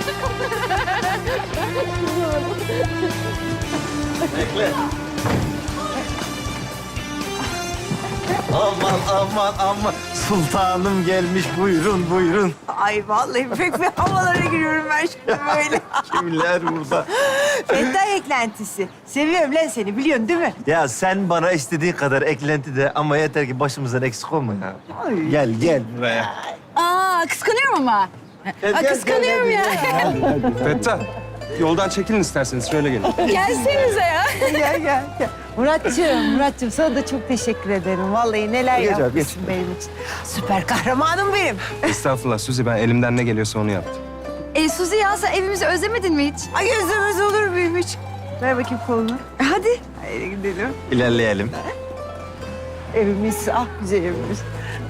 Bekle. Aman aman aman. Sultanım gelmiş. Buyurun buyurun. Ay vallahi pek bir havalara giriyorum ben şimdi böyle. Kimler burada? Fettah eklentisi. Seviyorum lan seni biliyorsun değil mi? Ya sen bana istediğin kadar eklenti de ama yeter ki başımızdan eksik olma ya. Ay. Gel gel buraya. Aa, kıskanıyorum ama. Gel, kıskanıyorum ya. Fettah, yoldan çekilin isterseniz. Şöyle gelin. Gelsenize ya. Gel. Muratcığım sana da çok teşekkür ederim. Vallahi neler Geç abi, yapmışsın benim için. Süper kahramanım benim. Estağfurullah Suzi, ben elimden ne geliyorsa onu yaptım. Suzi ya sen evimizi özlemedin mi hiç? Ay özlemez olur muyum hiç? Ver bakayım kolunu. Hadi. Haydi gidelim. İlerleyelim. Evimiz, ah güzel evimiz.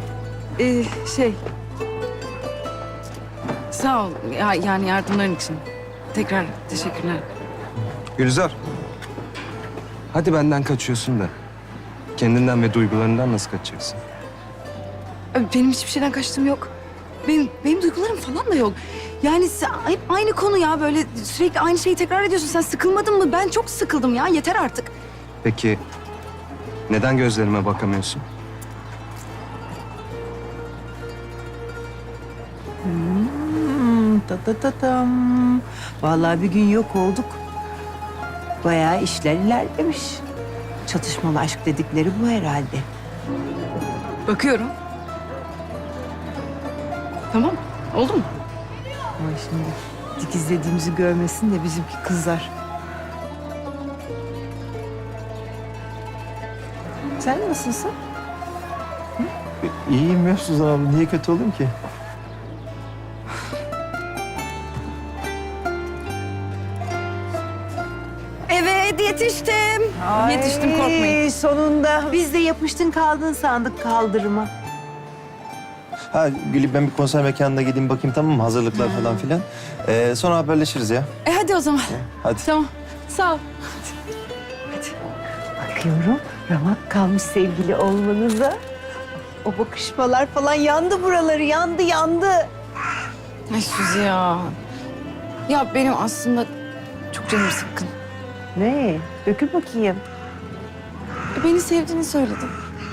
Sağ ol ya, yani yardımların için. Tekrar teşekkürler. Gülizar, hadi benden kaçıyorsun da kendinden ve duygularından nasıl kaçacaksın? Benim hiçbir şeyden kaçtığım yok. Benim duygularım falan da yok. Yani hep aynı konu ya, böyle sürekli aynı şeyi tekrar ediyorsun. Sen sıkılmadın mı? Ben çok sıkıldım ya, yeter artık. Peki neden gözlerime bakamıyorsun? Tam. Vallahi bir gün yok olduk. Bayağı işler ilerlemiş. Çatışmalı aşk dedikleri bu herhalde. Bakıyorum. Tamam, oldu mu? Ama şimdi dikizlediğimizi görmesin de bizimki kızlar. Sen nasılsın? İyiyim ya Suzan abla. Niye kötü olayım ki? Evet, yetiştim. Yetiştim, korkmayın. Sonunda. Biz de yapıştın kaldın sandık kaldırıma. Ha Gülü, ben bir konser mekanına gideyim bakayım, tamam mı? Hazırlıklar falan filan. Sonra haberleşiriz ya. Hadi o zaman. Hadi. Tamam, sağ ol. Bakıyorum ramak kalmış sevgili olmanıza. O bakışmalar falan yandı buraları, yandı. Ay Suzi ya. Ya benim aslında çok canım sıkkın. Ne? Dökül bakayım. Beni sevdiğini söyledim.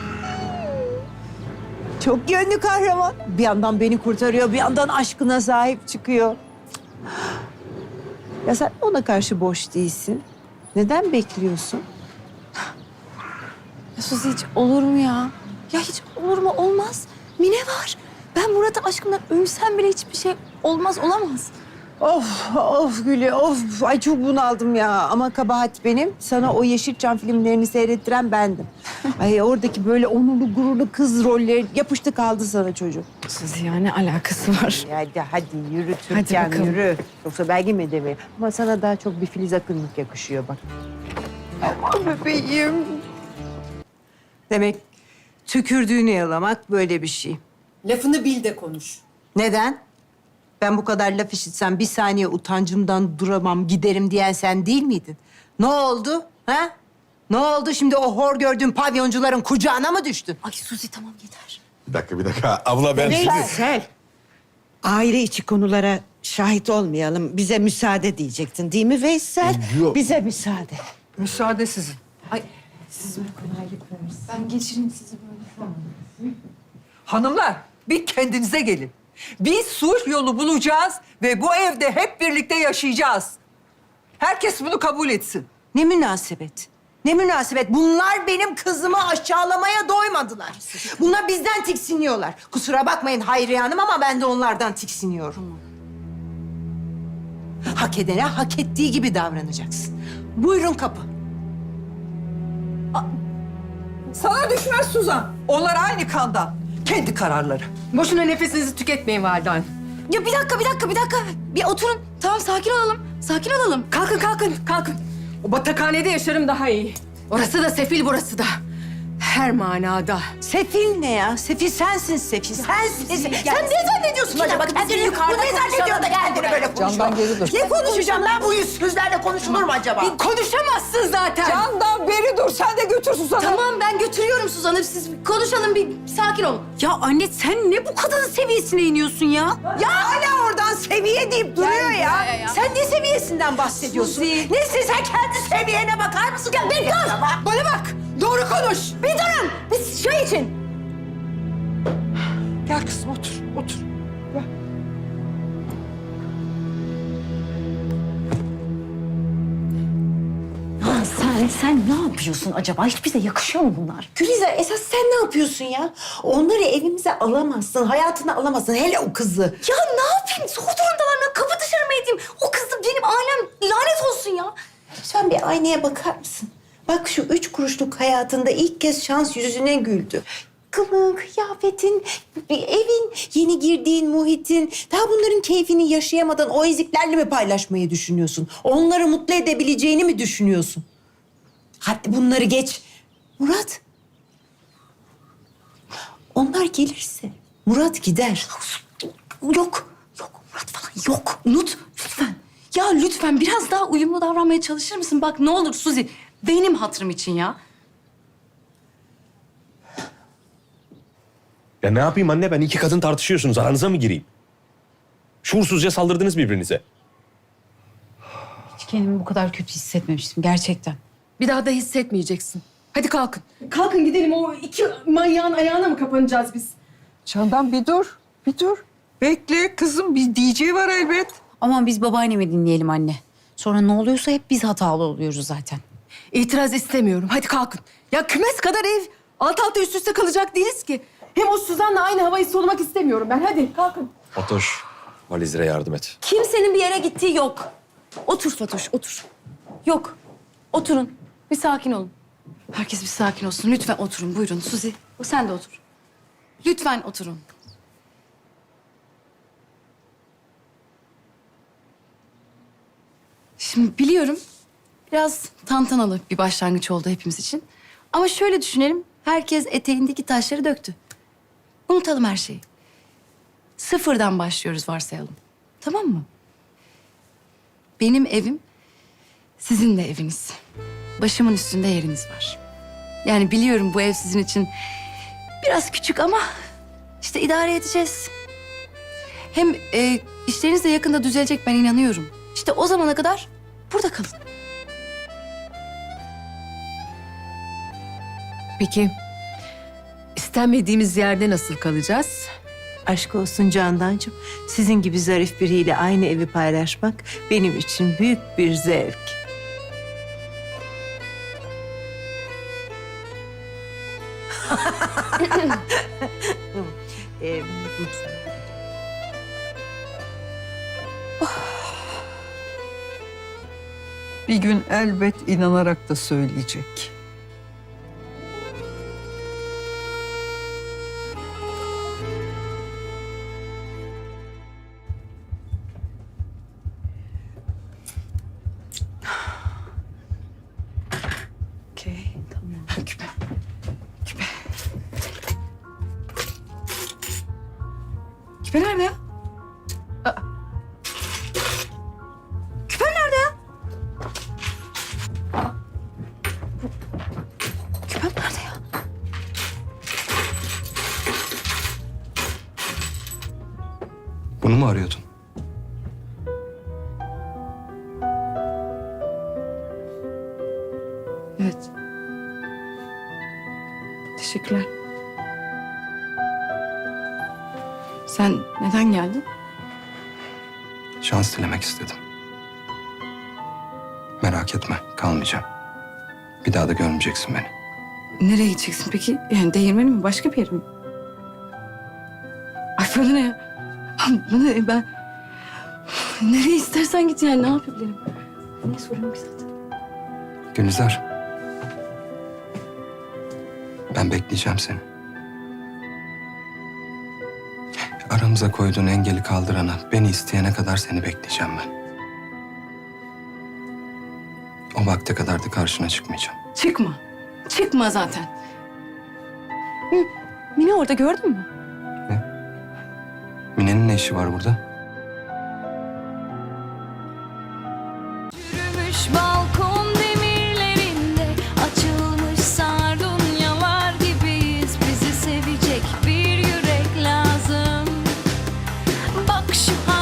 Çok yönlü kahraman. Bir yandan beni kurtarıyor, bir yandan aşkına sahip çıkıyor. Ya sen ona karşı boş değilsin. Neden bekliyorsun? Ya Suzi hiç olur mu ya? Ya hiç olur mu? Olmaz. Mine var. Ben Murat'a aşkımdan ölsem bile hiçbir şey olmaz, olamaz. Of Gülü, of. Ay çok bunaldım ya. Ama kabahat benim. Sana o Yeşilçam filmlerini seyrettiren bendim. Ay oradaki böyle onurlu gururlu kız rolleri yapıştı kaldı sana çocuk. Suzi ya ne alakası var? Hadi yürü Hadi Türkan, bakalım. yürü. Yoksa belki mi demeye. Ama sana daha çok bir Filiz Akınlık yakışıyor bak. Aman bebeğim. Demek tükürdüğünü yalamak böyle bir şey. Lafını bil de konuş. Neden? Ben bu kadar laf işitsem bir saniye utancımdan duramam, giderim diyen sen değil miydin? Ne oldu? Ha? Ne oldu şimdi o hor gördüğün pavyoncuların kucağına mı düştün? Ay Suzi tamam yeter. Bir dakika. Abla ben şimdi... Veysel. Aile içi konulara şahit olmayalım. Bize müsaade diyecektin değil mi Veysel? Yok. Bize müsaade. Müsaade sizin. Ay siz ben geçireyim sizi böyle. Hanımlar bir kendinize gelin. Biz sulh yolu bulacağız ve bu evde hep birlikte yaşayacağız. Herkes bunu kabul etsin. Ne münasebet? Ne münasebet? Bunlar benim kızımı aşağılamaya doymadılar. Bunlar bizden tiksiniyorlar. Kusura bakmayın Hayriye Hanım ama ben de onlardan tiksiniyorum. Hak edene hak ettiği gibi davranacaksın. Buyurun kapı. Sana düşmez Suzan. Onlar aynı kandan. Kendi kararları. Boşuna nefesinizi tüketmeyin valide hanım. Ya bir dakika. Bir oturun. Tamam sakin olalım. Kalkın. O batakhanede yaşarım daha iyi. Orası da sefil, burası da. Her manada. Sefil ne ya? Sefil sensin Sefil. Sensin. Sen ne zannediyorsun acaba? Kendini bu ne zannediyor da kendini böyle konuşuyor? Candan geri dur. Ne konuşacağım ben? Bu yüzsüzlerle konuşulur mu acaba? Konuşamazsın zaten. Candan beri dur. Sen de götür Suzan'ı. Tamam ben götürüyorum Suzan'ı. Siz konuşalım bir sakin olun. Ya anne sen ne bu kadının seviyesine iniyorsun ya? Ya hala orada Suzan seviye deyip duruyor ya. Sen ne seviyesinden bahsediyorsun? Neyse sen kendi seviyene bakar mısın? Ya bir dur. Bana bak. Doğru konuş. Bir durun. Biz şey için. Gel kızım otur, otur. Sen ne yapıyorsun acaba? Hiç bize yakışıyor mu bunlar? Gülizar esas sen ne yapıyorsun ya? Onları evimize alamazsın, hayatına alamazsın. Hele o kızı. Ya ne yapayım? Zor durumdalar. Ben kapı dışarı mı edeyim? O kız da benim ailem lanet olsun ya. Lütfen bir aynaya bakar mısın? Bak şu 3 kuruşluk hayatında ilk kez şans yüzüne güldü. Kılığın, kıyafetin, evin, yeni girdiğin muhitin. Daha bunların keyfini yaşayamadan o eziklerle mi paylaşmayı düşünüyorsun? Onları mutlu edebileceğini mi düşünüyorsun? Hadi bunları geç. Murat. Onlar gelirse Murat gider. Yok Murat falan yok. Unut lütfen. Ya lütfen biraz daha uyumlu davranmaya çalışır mısın? Bak ne olur Suzi, benim hatırım için ya. Ya ne yapayım anne? Ben iki kadın tartışıyorsunuz. Aranıza mı gireyim? Şuursuzca saldırdınız birbirinize. Hiç kendimi bu kadar kötü hissetmemiştim gerçekten. Bir daha da hissetmeyeceksin. Hadi kalkın. Kalkın gidelim. O iki manyağın ayağına mı kapanacağız biz? Candan bir dur, bir dur. Bekle kızım, bir DJ var elbet. Aman biz babaannemi dinleyelim anne. Sonra ne oluyorsa hep biz hatalı oluyoruz zaten. İtiraz istemiyorum. Hadi kalkın. Ya kümes kadar ev. Alt alta üst üste kalacak değiliz ki. Hem o Suzan'la aynı havayı solumak istemiyorum ben. Hadi kalkın. Fatoş, valizlere yardım et. Kimsenin bir yere gittiği yok. Otur Fatoş, otur. Yok, oturun. Bir sakin olun. Herkes bir sakin olsun. Lütfen oturun, buyurun. Suzi, sen de otur. Lütfen oturun. Şimdi biliyorum, biraz tantanalı bir başlangıç oldu hepimiz için. Ama şöyle düşünelim, herkes eteğindeki taşları döktü. Unutalım her şeyi. Sıfırdan başlıyoruz varsayalım. Tamam mı? Benim evim sizin de eviniz. Başımın üstünde yeriniz var. Yani biliyorum bu ev sizin için biraz küçük ama işte idare edeceğiz. Hem işleriniz de yakında düzelecek ben inanıyorum. İşte o zamana kadar burada kalın. Peki istenmediğimiz yerde nasıl kalacağız? Aşk olsun Candancığım. Sizin gibi zarif biriyle aynı evi paylaşmak benim için büyük bir zevk. Bir gün elbet inanarak da söyleyecek. Okey, tamam. Küpe. Küpe. Küpe nerede ya? Aa. Küpem nerede ya? Aa. Küpem nerede ya? Bunu mu arıyordun? Evet. Teşekkürler. Sen neden geldin? Şans dilemek istedim. Merak etme, kalmayacağım. Bir daha da görmeyeceksin beni. Nereye gideceksin peki? Yani değirmeni mi? Başka bir yere mi? Ay bana ne ya? Bana ne? Ben... Nereye istersen git yani. Ne yapabilirim? Niye soruyorum ki zaten? Gülizar. Ben bekleyeceğim seni. Aramıza koyduğun engeli kaldırana, beni isteyene kadar seni bekleyeceğim ben. O vakte kadar da karşına çıkmayacağım. Çıkma. Çıkma zaten. Hı, Mine orada gördün mü? Mine'nin ne işi var burada? Yürümüş balkon demirlerinde açılmış sardunyalar gibiyiz. Bizi sevecek bir yürek lazım. Bak şu